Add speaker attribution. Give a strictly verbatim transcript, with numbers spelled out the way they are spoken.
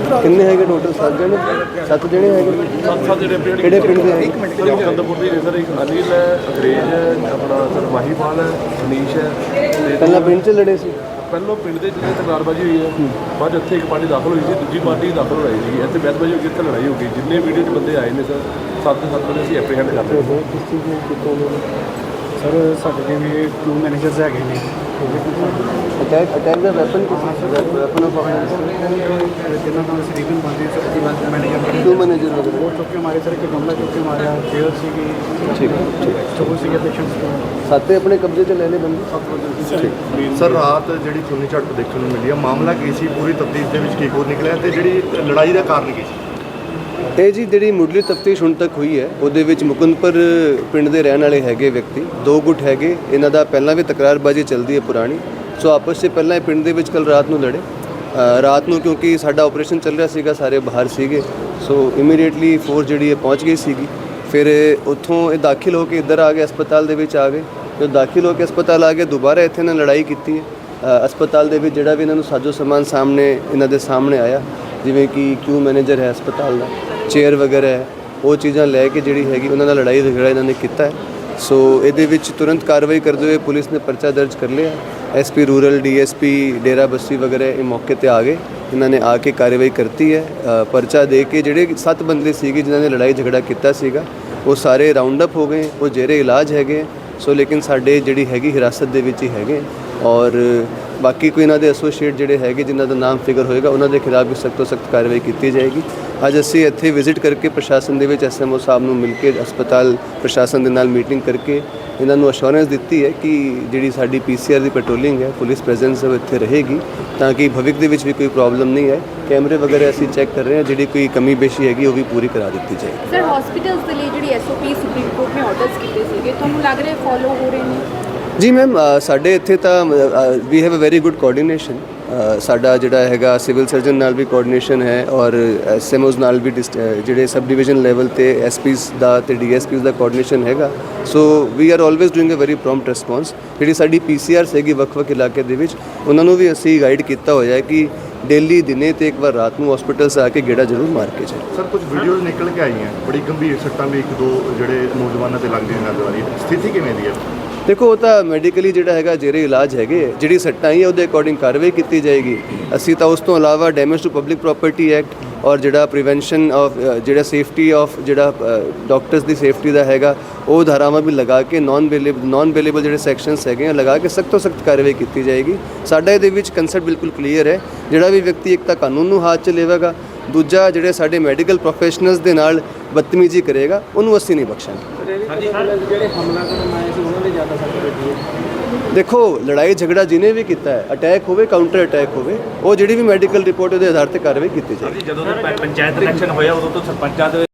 Speaker 1: ਕਿੰਨੇ ਹੈਗੇ ਟੋਟਲ? ਸੱਤ ਜਣੇ ਸੱਤ ਜਣੇ ਹੈਗੇ
Speaker 2: ਸੱਤ ਸੱਤ ਜਿਹੜੇ
Speaker 1: ਕਿਹੜੇ ਪਿੰਡ ਦੇ ਹੈਗੇ?
Speaker 2: ਸਰ ਚੰਦਰਪੁਰ ਦੀ ਨੇ ਸਰ, ਇੱਕ ਅਨਿਲ ਹੈ, ਅੰਗਰੇਜ਼ ਹੈ, ਆਪਣਾ ਸਰ ਮਾਹੀਵਾਲ ਹੈ, ਮਨੀਸ਼ ਹੈ ਤੇ
Speaker 1: ਪਹਿਲਾਂ ਪਿੰਡ 'ਚ ਲੜੇ ਸੀ?
Speaker 2: ਪਹਿਲੋਂ ਪਿੰਡ ਦੇ ਜਿਹੜੇ ਤਕਰਾਰਬਾਜੀ ਹੋਈ ਹੈ, ਬਾਅਦ 'ਚ ਇੱਥੇ ਇੱਕ ਪਾਰਟੀ ਦਾਖਲ ਹੋਈ ਸੀ, ਦੂਜੀ ਪਾਰਟੀ ਦਾਖਲ ਹੋਈ ਸੀ, ਇੱਥੇ ਬਹਿਸਬਾਜੀ ਹੋ ਗਈ, ਇੱਥੇ ਲੜਾਈ ਹੋ ਗਈ। ਜਿੰਨੇ ਵੀਡੀਓ 'ਚ ਬੰਦੇ ਆਏ ਨੇ ਸਰ, ਸੱਤ ਦੇ ਸੱਤ ਬੰਦੇ ਅਸੀਂ ਐਪਰੀਹੈਂਡ ਕਰ ਰਹੇ ਹਾਂ।
Speaker 1: ਕਿਸ ਚੀਜ਼ ਨੂੰ ਕੀਤਾ ਉਹਨਾਂ ਨੇ?
Speaker 3: ਸਰ ਸਾਡੇ ਜਿਵੇਂ ਟੂ ਮੈਨੇਜਰਸ ਹੈਗੇ ਨੇ,
Speaker 1: ਅਟੈਕ ਅਟੈਕ ਦਾ ਵੈਪਨ ਕਿਸ ਵੈਪਨ ਆਫ ਆਫੈਂਸ
Speaker 3: ਜਿਨ੍ਹਾਂ ਨਾਲ ਸਰੀਕਨ ਬੰਦੇ ਸਰ ਦੀ ਬਾਤ ਮੈਨੇਜਰ
Speaker 1: ਟੂ ਮੈਨੇਜਰ ਵਗੈरह
Speaker 3: ਉਹ ਚੁੱਕ ਕੇ ਮਾਰੇ ਸਰ, ਇੱਕ ਗਮਲਾ ਚੁੱਕ ਕੇ ਮਾਰਿਆ, ਚੇਅਰ ਸੀਗੀ,
Speaker 1: ਠੀਕ ਠੀਕ
Speaker 3: ਚੋਰ ਸੀਗੇ ਪੇਸ਼ੈਂਟਸ ਤੋਂ,
Speaker 1: ਸਾਤੇ ਆਪਣੇ ਕਬਜ਼ੇ 'ਚ ਲੈ ਲਏ ਬੰਦੇ?
Speaker 3: ਸੱਤ ਬੰਦੇ ਸੀ।
Speaker 4: ਸਰ ਰਾਤ ਜਿਹੜੀ ਖੂਨੀ ਝੜਪ ਦੇਖਣ ਨੂੰ ਮਿਲੀ ਆ, ਮਾਮਲਾ ਕੀ ਸੀ, ਪੂਰੀ ਤਫਤੀਸ਼ ਦੇ ਵਿੱਚ ਕੀ ਕੁਝ ਨਿਕਲਿਆ ਤੇ ਜਿਹੜੀ ਲੜਾਈ ਦਾ ਕਾਰਨ ਕੀ ਸੀ?
Speaker 1: ਇਹ ਜੀ ਜਿਹੜੀ ਮੁੱਢਲੀ ਤਫਤੀਸ਼ ਹੁਣ ਤੱਕ ਹੋਈ ਹੈ ਉਹਦੇ ਵਿੱਚ ਮੁਕੰਦਪੁਰ ਪਿੰਡ ਦੇ ਰਹਿਣ ਵਾਲੇ ਹੈਗੇ ਵਿਅਕਤੀ, ਦੋ ਗੁੱਟ ਹੈਗੇ, ਇਹਨਾਂ ਦਾ ਪਹਿਲਾਂ ਵੀ ਤਕਰਾਰਬਾਜ਼ੀ ਚੱਲਦੀ ਹੈ ਪੁਰਾਣੀ। ਸੋ ਆਪਸ 'ਚ ਪਹਿਲਾਂ ਇਹ ਪਿੰਡ ਦੇ ਵਿੱਚ ਕੱਲ ਰਾਤ ਨੂੰ ਲੜੇ। ਰਾਤ ਨੂੰ ਕਿਉਂਕਿ ਸਾਡਾ ਆਪਰੇਸ਼ਨ ਚੱਲ ਰਿਹਾ ਸੀਗਾ, ਸਾਰੇ ਬਾਹਰ ਸੀਗੇ, ਸੋ ਇਮੀਡੀਏਟਲੀ ਫੋਰਸ ਜਿਹੜੀ ਹੈ ਪਹੁੰਚ ਗਈ ਸੀਗੀ। ਫਿਰ ਉੱਥੋਂ ਇਹ ਦਾਖਲ ਹੋ ਕੇ ਇੱਧਰ ਆ ਗਏ, ਹਸਪਤਾਲ ਦੇ ਵਿੱਚ ਆ ਗਏ। ਜਦੋਂ ਦਾਖਲ ਹੋ ਕੇ ਹਸਪਤਾਲ ਆ ਗਏ, ਦੁਬਾਰਾ ਇੱਥੇ ਇਹਨਾਂ ਲੜਾਈ ਕੀਤੀ ਹੈ ਹਸਪਤਾਲ ਦੇ ਵਿੱਚ। ਜਿਹੜਾ ਵੀ ਇਹਨਾਂ ਨੂੰ ਸਾਜੋ ਸਮਾਨ ਸਾਹਮਣੇ ਇਹਨਾਂ ਦੇ ਸਾਹਮਣੇ ਆਇਆ, ਜਿਵੇਂ ਕਿ ਕਿਊ ਮੈਨੇਜਰ ਹੈ ਹਸਪਤਾਲ ਦਾ, ਚੇਅਰ ਵਗੈਰਾ ਹੈ, ਉਹ ਚੀਜ਼ਾਂ ਲੈ ਕੇ ਜਿਹੜੀ ਹੈਗੀ ਉਹਨਾਂ ਨਾਲ ਲੜਾਈ ਝਗੜਾ ਇਹਨਾਂ ਨੇ ਕੀਤਾ ਹੈ। ਸੋ ਇਹਦੇ ਵਿੱਚ ਤੁਰੰਤ ਕਾਰਵਾਈ ਕਰਦੇ ਹੋਏ ਪੁਲਿਸ ਨੇ ਪਰਚਾ ਦਰਜ ਕਰ ਲਿਆ। SP rural, DSP Dera Bassi ਵਗੈਰਾ ਇਹ ਮੌਕੇ ਤੇ ਆ ਗਏ, ਇਹਨਾਂ ਨੇ ਆ ਕੇ ਕਾਰਵਾਈ ਕਰਤੀ ਹੈ। ਪਰਚਾ ਦੇ ਕੇ ਜਿਹੜੇ ਸੱਤ ਬੰਦੇ ਸੀਗੇ ਜਿਨ੍ਹਾਂ ਨੇ ਲੜਾਈ ਝਗੜਾ ਕੀਤਾ ਸੀਗਾ ਉਹ ਸਾਰੇ ਰਾਉਂਡ ਅਪ ਹੋ ਗਏ, ਉਹ ਜੇਰੇ ਇਲਾਜ ਹੈਗੇ। ਸੋ ਲੇਕਿਨ ਸਾਡੇ ਜਿਹੜੀ ਹੈਗੀ ਹਿਰਾਸਤ ਦੇ ਵਿੱਚ ਹੀ ਹੈਗੇ, ਔਰ ਬਾਕੀ ਕੋਈ ਇਹਨਾਂ ਦੇ ਐਸੋਸੀਏਟ ਜਿਹੜੇ ਹੈਗੇ ਜਿਨ੍ਹਾਂ ਦਾ ਨਾਮ ਫਿਗਰ ਹੋਏਗਾ ਉਹਨਾਂ ਦੇ ਖਿਲਾਫ ਵੀ ਸਖਤ ਤੋਂ ਸਖਤ ਕਾਰਵਾਈ ਕੀਤੀ ਜਾਏਗੀ। ਅੱਜ ਅਸੀਂ ਇੱਥੇ ਵਿਜ਼ਿਟ ਕਰਕੇ ਪ੍ਰਸ਼ਾਸਨ ਦੇ ਵਿੱਚ ਐਸਐਮਓ ਸਾਹਿਬ ਨੂੰ ਮਿਲ ਕੇ ਹਸਪਤਾਲ ਪ੍ਰਸ਼ਾਸਨ ਦੇ ਨਾਲ ਮੀਟਿੰਗ ਕਰਕੇ ਇਹਨਾਂ ਨੂੰ ਅਸ਼ੋਰੈਂਸ ਦਿੱਤੀ ਹੈ ਕਿ ਜਿਹੜੀ ਸਾਡੀ ਪੀਸੀਆਰ ਦੀ ਪੈਟਰੋਲਿੰਗ ਹੈ, ਪੁਲਿਸ ਪ੍ਰੈਜ਼ੈਂਸ ਉਹ ਇੱਥੇ ਰਹੇਗੀ ਤਾਂ ਕਿ ਭਵਿੱਖ ਦੇ ਵਿੱਚ ਵੀ ਕੋਈ ਪ੍ਰੋਬਲਮ ਨਹੀਂ ਹੈ। ਕੈਮਰੇ ਵਗੈਰਾ ਅਸੀਂ ਚੈੱਕ ਕਰ ਰਹੇ ਹਾਂ, ਜਿਹੜੀ ਕੋਈ ਕਮੀ ਪੇਸ਼ੀ ਹੈਗੀ ਉਹ ਵੀ ਪੂਰੀ ਕਰਾ ਦਿੱਤੀ ਜਾਏਗੀ।
Speaker 5: ਸਰ ਹਸਪੀਟਲਸ ਦੇ ਲਈ ਜਿਹੜੀ ਐਸਓਪੀ ਸੁਪਰੀਮ ਕੋਰਟ ਨੇ ਆਰਡਰਸ ਕੀਤੇ ਸੀਗੇ, ਤੁਹਾਨੂੰ ਲੱਗ ਰਿਹਾ ਫੋਲੋ ਹੋ ਰਹੇ ਨੇ?
Speaker 1: ਜੀ ਮੈਮ, ਸਾਡੇ ਇੱਥੇ ਤਾਂ we have a very good coordination. ਸਾਡਾ ਜਿਹੜਾ ਹੈਗਾ ਸਿਵਲ ਸਰਜਨ ਨਾਲ ਵੀ ਕੋਆਰਡੀਨੇਸ਼ਨ ਹੈ, ਔਰ ਐਸਐਮਓਜ਼ ਨਾਲ ਵੀ ਜਿਹੜੇ ਸਬ ਡਿਵੀਜ਼ਨ ਲੈਵਲ ਤੇ ਐਸਪੀਜ਼ ਦਾ ਤੇ ਡੀਐਸਪੀਜ਼ ਦਾ ਕੋਆਰਡੀਨੇਸ਼ਨ ਹੈਗਾ। So we are always doing a very prompt response. ਜਿਹੜੀ ਸਾਡੀ ਪੀਸੀਆਰਸ ਹੈਗੀ ਵੱਖ-ਵੱਖ ਇਲਾਕੇ ਦੇ ਵਿੱਚ, ਉਹਨਾਂ ਨੂੰ ਵੀ ਅਸੀਂ ਗਾਈਡ ਕੀਤਾ ਹੋਇਆ ਹੈ ਕਿ ਡੇਲੀ ਦਿਨੇ ਤੇ ਇੱਕ ਵਾਰ ਰਾਤ ਨੂੰ ਹਸਪੀਟਲਸ ਆ ਕੇ ਗੇੜਾ ਜ਼ਰੂਰ ਮਾਰ ਕੇ ਜਾਏ।
Speaker 4: ਸਰ ਕੁਝ ਵੀਡੀਓਜ਼ ਨਿਕਲ ਕੇ ਆਈਆਂ, ਬੜੀ ਗੰਭੀਰ ਸੱਟਾਂ ਵੀ ਇੱਕ ਦੋ ਜਿਹੜੇ ਨੌਜਵਾਨਾਂ ਤੇ ਲੱਗਦੀਆਂ ਨਜ਼ਰ ਆ ਰਹੀ ਹੈ, ਸਥਿਤੀ ਕਿਵੇਂ ਦੀ ਹੈ?
Speaker 1: ਦੇਖੋ, ਉਹ ਤਾਂ ਮੈਡੀਕਲੀ ਜਿਹੜਾ ਹੈਗਾ ਜਿਹੜੇ ਇਲਾਜ ਹੈਗੇ, ਜਿਹੜੀ ਸੱਟਾਂ ਹੀ ਉਹਦੇ ਅਕੋਰਡਿੰਗ ਕਾਰਵਾਈ ਕੀਤੀ ਜਾਏਗੀ। ਅਸੀਂ ਤਾਂ ਉਸ ਤੋਂ ਇਲਾਵਾ damage to public property act ਔਰ ਜਿਹੜਾ ਪ੍ਰੀਵੈਂਸ਼ਨ ਆਫ ਜਿਹੜਾ ਸੇਫਟੀ ਆਫ ਜਿਹੜਾ ਡਾਕਟਰਸ ਦੀ ਸੇਫਟੀ ਦਾ ਹੈਗਾ ਉਹ ਧਾਰਾਵਾਂ ਵੀ ਲਗਾ ਕੇ ਨਾਨ ਬੇਲੇਬਲ ਨਾਨ ਬੇਲੇਬਲ ਜਿਹੜੇ ਸੈਕਸ਼ਨਸ ਹੈਗੇ ਆ ਲਗਾ ਕੇ ਸਖਤ ਤੋਂ ਸਖਤ ਕਾਰਵਾਈ ਕੀਤੀ ਜਾਏਗੀ। ਸਾਡਾ ਇਹਦੇ ਵਿੱਚ ਕੰਸੈਪਟ ਬਿਲਕੁਲ ਕਲੀਅਰ ਹੈ। ਜਿਹੜਾ ਵੀ ਵਿਅਕਤੀ ਇੱਕ ਤਾਂ ਕਾਨੂੰਨ ਨੂੰ ਹੱਥ 'ਚ ਲਵੇਗਾ, ਦੂਜਾ ਜਿਹੜੇ ਸਾਡੇ ਮੈਡੀਕਲ ਪ੍ਰੋਫੈਸ਼ਨਲਸ ਦੇ ਨਾਲ ਬਦਤਮੀਜ਼ੀ ਕਰੇਗਾ ਉਹਨੂੰ ਅਸੀਂ ਨਹੀਂ ਬਖਸ਼ਾਂਗੇ।
Speaker 3: ਜਿਹੜੇ ਹਮਲਾ ਕਰਨ ਆਏ ਸੀ ਉਹਨਾਂ ਦੇ ਜ਼ਿਆਦਾ ਸੱਟ ਲੱਗੀ ਹੈ।
Speaker 1: ਦੇਖੋ, ਲੜਾਈ ਝਗੜਾ ਜਿਹਨੇ ਵੀ ਕੀਤਾ ਹੈ, ਅਟੈਕ ਹੋਵੇ ਕਾਊਂਟਰ ਅਟੈਕ ਹੋਵੇ, ਉਹ ਜਿਹੜੀ ਵੀ ਮੈਡੀਕਲ ਰਿਪੋਰਟ ਉਹਦੇ ਆਧਾਰ ਤੇ ਕਾਰਵਾਈ ਕੀਤੀ ਜਾਏਗੀ।
Speaker 6: ਜਦੋਂ ਪੰਚਾਇਤ ਇਲੈਕਸ਼ਨ ਹੋਇਆ ਉਦੋਂ ਤੋਂ ਸਰਪੰਚਾਂ ਦੇ